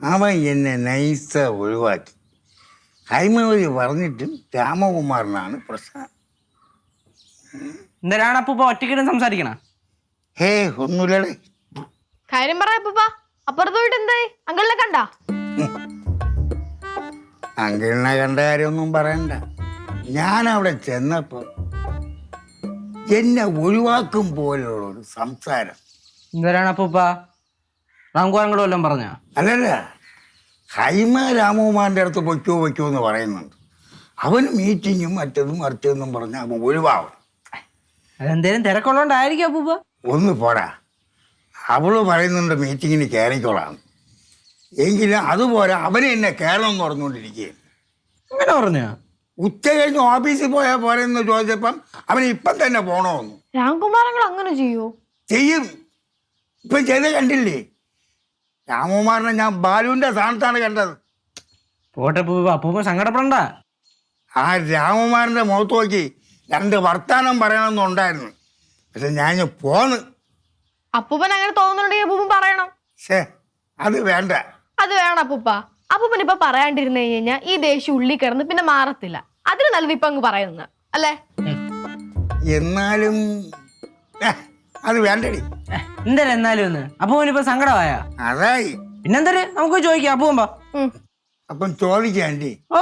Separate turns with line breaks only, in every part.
അവൻ എന്നെ നൈസ ഒഴിവാക്കി. ഹൈമവതി പറഞ്ഞിട്ടും രാമകുമാറിനാണ് പ്രശ്നം.
എന്തിനാണ് അപ്പൂപ്പ ഒറ്റയ്ക്കിടും സംസാരിക്കണ?
ഹേ ഒന്നുമില്ലടേ.
കാര്യം പറ അപ്പൂപ്പ. അപ്പുറത്ത് പോയിട്ട് എന്തായി? അങ്കിളിനെ കണ്ട?
അങ്കിളിനെ കണ്ട കാര്യമൊന്നും പറയണ്ട. ഞാൻ അവിടെ ചെന്നപ്പോ എന്നെ ഒഴിവാക്കും പോലുള്ള ഒരു സംസാരം.
എന്തിനാണ് അപ്പൂപ്പ? റാംകുമാരങ്ങളോ വല്ലതും പറഞ്ഞ?
അല്ലല്ല, ഹൈമ രാമകുമാറിൻ്റെ അടുത്ത് പൊയ്ക്കോ പൊയ്ക്കോ എന്ന് പറയുന്നുണ്ട്. അവന് മീറ്റിങ്ങും മറ്റതും മറിച്ചതെന്നും പറഞ്ഞ് അവൻ ഒഴിവാകും.
അതെന്തേലും തിരക്കുള്ളതുകൊണ്ടായിരിക്കും അപ്പൂപ്പ.
ഒന്ന് പോരാ, അവള് പറയുന്നുണ്ട് മീറ്റിങ്ങിന് കയറിക്കോളാം. എങ്കിലും അതുപോലെ അവനെ എന്നെ കയറണം എന്ന് പറഞ്ഞുകൊണ്ടിരിക്കുകയും.
അങ്ങനെ പറഞ്ഞോ?
ഉച്ച കഴിഞ്ഞ് ഓഫീസിൽ പോയാൽ പോരെന്ന് ചോദിച്ചപ്പം അവന് ഇപ്പം തന്നെ പോകണമെന്ന്.
രാംകുമാരങ്ങൾ അങ്ങനെ ചെയ്യോ?
ചെയ്യും. ഇപ്പം ചെയ്ത് കണ്ടില്ലേ? രാമകുമാറിനെ ഞാൻ ബാലുവിൻ്റെ സ്ഥാനത്താണ് കണ്ടത്.
പോട്ടെ അപ്പൂപ്പ, അപ്പൂപ്പ സങ്കടപ്പെടണ്ട.
ആ രാമകുമാറിൻ്റെ മുഖത്ത് നോക്കി രണ്ട് വർത്താനം പറയണമെന്നുണ്ടായിരുന്നു. പക്ഷെ ഞാൻ പോന്ന്.
അപ്പൂപ്പൻ അങ്ങനെ തോന്നുന്നുണ്ടെങ്കിൽ അപ്പൂപ്പൻ പറയണം.
ശേ, അത് വേണ്ട.
അത് വേണം അപ്പൂപ്പ. അപ്പൂപ്പൻ ഇപ്പൊ പറയാണ്ടിരുന്നു കഴിഞ്ഞാൽ ഈ ദേഷ്യം ഉള്ളി കിടന്ന് പിന്നെ മാറത്തില്ല. അതിന് നല്ലത് ഇപ്പൊ അങ്ങ് പറയുന്നത് അല്ലേ?
എന്നാലും അത് വേണ്ടടി.
എന്തായാലും എന്നാലും ഒന്ന് അപ്പൂപ്പനിപ്പോ സങ്കടമായ
അതായി.
പിന്നെന്തര് നമുക്ക് ചോദിക്കാം അപ്പൂപ്പ.
അപ്പം ചോദിക്കാണ്ടി.
ഓ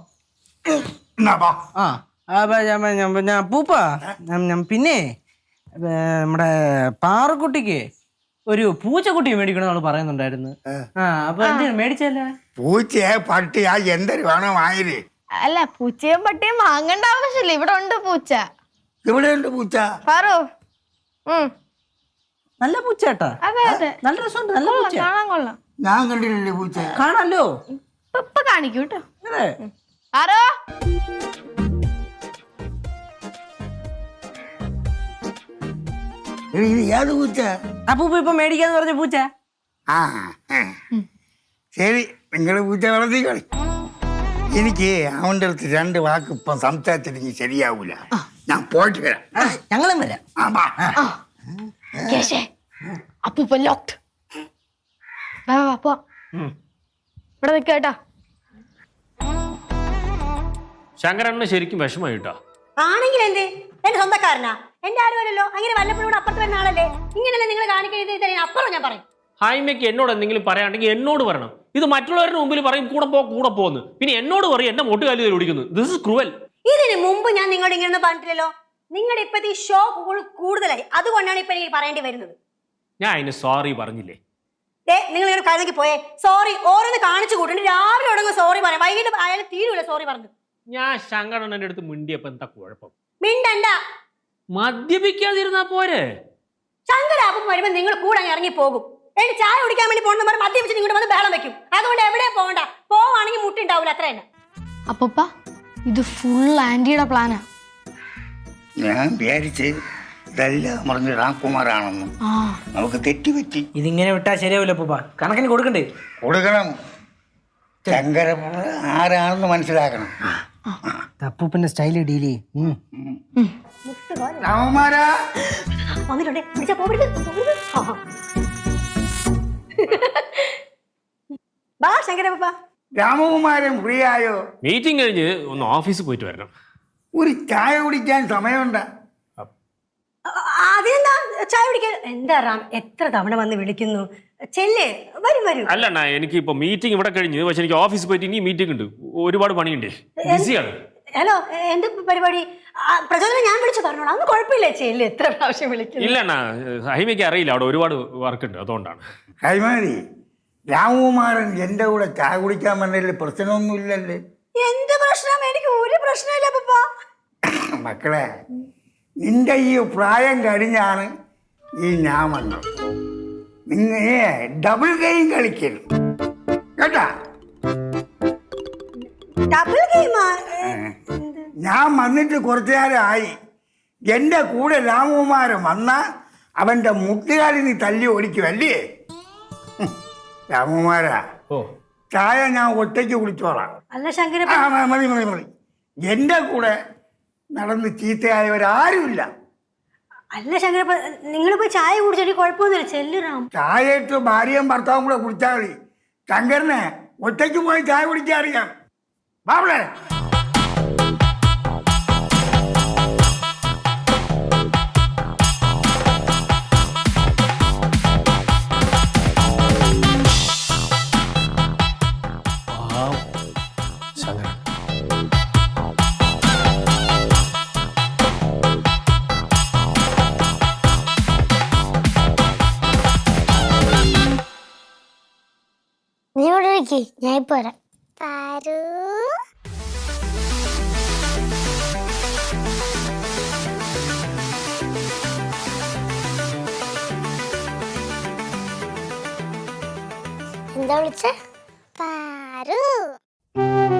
അപ്പൂപ്പ പിന്നെ നമ്മുടെ പാറക്കുട്ടിക്ക് ഒരു പൂച്ചക്കുട്ടി മേടിക്കണമെന്ന് പറയുന്നുണ്ടായിരുന്നു. അപ്പൊ എന്തെങ്കിലും മേടിച്ചല്ലേ?
പൂച്ചയെ പട്ടിയാ എന്തൊരു വേണം വാങ്ങിര്.
അല്ല, പൂച്ചയും പട്ടിയും വാങ്ങേണ്ട ആവശ്യമില്ല. ഇവിടെ ഉണ്ട് പൂച്ച.
ഇവിടെ ഉണ്ട് പൂച്ച.
പാറു.
നല്ല പൂച്ച കേട്ടാ.
അതെ അതെ,
നല്ല രസമുണ്ട്. നല്ല പൂച്ച
കാണാൻ കൊള്ളാം.
ഞാൻ കണ്ടിട്ടില്ലേ പൂച്ച?
കാണാലോ.
ഇപ്പൊ കാണിക്കൂ കേട്ടോ.
അതെ.
ആരോ
ഏത് പൂച്ച?
അപ്പൂപ്പ ഇപ്പൊ മേടിക്കാന്ന് പറഞ്ഞ പൂച്ച.
ആ ശരി, നിങ്ങള് പൂച്ച വളർത്തിക്കളി. എനിക്ക് അവൻ്റെ അടുത്ത് രണ്ട് വാക്ക് ഇപ്പം സംസാരിച്ചിട്ടെങ്കിൽ ശരിയാവൂല. ഞാൻ പോയിട്ട് വരാം.
ഞങ്ങളും വരാം.
അപ്പൂപ്പൻ ലോക്ക്ഡ്. ഇവിടെ നിൽക്ക കേട്ടാ.
ശങ്കരണ്ണന് ശരിക്കും വിഷമായിട്ടാ.
ആണെങ്കിൽ എന്റെ സ്വന്തക്കാരനാ, എന്റെ ആരുമല്ലോ. അങ്ങനെ വല്ലപ്പോഴും അപ്പുറത്ത് വരുന്ന ആളല്ലേ. ഇങ്ങനെയല്ലേ നിങ്ങൾ കാണിക്കുന്നത്? അപ്പുറം ഞാൻ പറയും.
ഹൈമയ്ക്ക് എന്നോട് എന്തെങ്കിലും പറയാണ്ടെങ്കിൽ എന്നോട് പറയണം. ഇത് മറ്റുള്ളവരുടെ മുമ്പിൽ പറയും കൂടെ പോന്ന്. പിന്നെ എന്നോട് പറയും എന്നെ മൊട്ടുകാലി ഓടിക്കുന്നു. This is cruel.
ഇതിന് മുമ്പ് ഞാൻ നിങ്ങളോട് ഇങ്ങനെ പറഞ്ഞിട്ടില്ലല്ലോ. നിങ്ങളുടെ ഇപ്പത്തെ ഷോ കൂടുതലായി, അതുകൊണ്ടാണ് ഇപ്പൊ എനിക്ക് പറയേണ്ടി വരുന്നത്.
ഞാൻ അതിന് സോറി പറഞ്ഞില്ലേ?
നിങ്ങൾ ഇങ്ങനെ കഴിഞ്ഞേക്ക് പോയേ. സോറി ഓരോന്ന് കാണിച്ചു കൂട്ടുണ്ട്. രാവിലെ തുടങ്ങും സോറി പറയാം, വൈകിട്ട് അയാൾ തീരുമില്ല സോറി പറഞ്ഞു.
ഞാൻ ശങ്കരണ്ണന്റെ അടുത്ത് മിണ്ടിയപ്പോ എന്താ കുഴപ്പം?
മിണ്ടണ്ട.
മദ്യപിക്കാതിരുന്നാ പോരെ?
ശങ്കരാപ്പം വരുമ്പോ നിങ്ങൾ കൂടെ അങ്ങ് ഇറങ്ങി പോകും. എനിക്ക് ചായ കുടിക്കാൻ വേണ്ടി പോകണമെന്ന് പറഞ്ഞ് മദ്യപിച്ച് നിങ്ങളുടെ വന്ന് ബഹളം വെക്കും. അതുകൊണ്ട് എവിടെ പോകണ്ട. പോവാണെങ്കിൽ മുട്ടുണ്ടാവില്ല, അത്ര തന്നെ.
അപ്പൂപ്പ, ഇത് ഫുൾ ആന്റിയുടെ പ്ലാനാ.
ഞാൻ വിചാരിച്ച് ഇതെല്ലാം പറഞ്ഞ് രാംകുമാറാണെന്നും നമുക്ക് തെറ്റുപറ്റി.
ഇതിങ്ങനെ വിട്ടാ ശരിയാവില്ല അപ്പൂപ്പ. കണക്കിന് കൊടുക്കണ്ടേ?
കൊടുക്കണം. ശങ്കര ആരാണെന്ന് മനസ്സിലാക്കണം.
അപ്പൂപ്പന്റെ സ്റ്റൈല് ഡീൽ ചെയ്യും.
രാമകുമാരാ
വന്നിട്ടുണ്ടേ, പിടിച്ചാ പോകരുത്. ബാ ശങ്കരപ്പ.
രാമകുമാരൻ ഫ്രീ ആയോ?
മീറ്റിംഗ് കഴിഞ്ഞ് ഒന്ന് ഓഫീസിൽ പോയിട്ട് വരണം.
ഒരു ചായ കുടിക്കാൻ സമയമുണ്ട്.
അതെന്താ ചായ കുടിക്കാൻ? എന്താ റാം, എത്ര തവണ വന്ന് വിളിക്കുന്നു. ചെല്ലേ, വരും വരും.
അല്ലണ്ണ, എനിക്ക് ഇപ്പൊ മീറ്റിംഗ് ഇവിടെ കഴിഞ്ഞ്, പക്ഷെ എനിക്ക് ഓഫീസിൽ പോയിട്ട് ഇനി മീറ്റിംഗ് ഉണ്ട്. ഒരുപാട് പണിയുണ്ട്. ബിസിയാണ്.
ഹലോ, എന്ത് പരിപാടി? പ്രചോദനം ഞാൻ വിളിച്ചു പറഞ്ഞോളാം. അന്ന് കുഴപ്പമില്ല. ചെല്ല്, എത്ര പ്രാവശ്യം വിളിക്കുന്നു.
ഇല്ലണ്ണ, ഹൈമയ്ക്ക് അറിയില്ല, അവിടെ ഒരുപാട് വർക്ക് ഉണ്ട്, അതുകൊണ്ടാണ്.
കൈമാരി, രാമകുമാരൻ എന്റെ കൂടെ ചായ കുടിക്കാൻ വന്നതിൽ പ്രശ്നമൊന്നുമില്ലല്ലേ?
എന്ത് പ്രശ്നം? എനിക്ക് ഒരു പ്രശ്നമില്ല പപ്പ.
മക്കളെ, നിന്റെ ഈ പ്രായം കഴിഞ്ഞാണ് ഈ ഞാൻ വന്നത്. നിങ്ങൾ ഡബിൾ ഗെയിം കളിക്കരുത് കേട്ടാ.
ഡബിൾ ഗെയിമാ?
ഞാൻ വന്നിട്ട് കുറച്ചു നേരമായി. എൻ്റെ കൂടെ രാമകുമാരൻ വന്നാൽ അവൻ്റെ മുട്ടുകാലിൽ നീ തല്ലി ഓടിക്കുമല്ലേ? രാമകുമാരാ, ചായ ഞാൻ ഒറ്റയ്ക്ക് കുടിച്ചോളാം.
അല്ല ശങ്കര,
മതി മതി മതി. എൻ്റെ കൂടെ നടന്ന് ചീത്തയായവരാരുമില്ല.
അല്ല ശങ്കരപ്പ, നിങ്ങൾ പോയി ചായ കുടിച്ചിട്ട് കുഴപ്പമൊന്നുമില്ല. ചെല്ലുറാം.
ചായ ഇട്ട് ഭാര്യയും ഭർത്താവും കൂടെ കുടിച്ചാൽ മതി. ശങ്കരനെ ഒറ്റയ്ക്ക് പോയി ചായ കുടിക്കാൻ അറിയാം. ബാബളെ
നീ ഇവിടെ ഇരിക്ക്, ഞാൻ ഇപ്പൊ വരാം. പാരു എന്താ വിളിച്ചേ? പാരു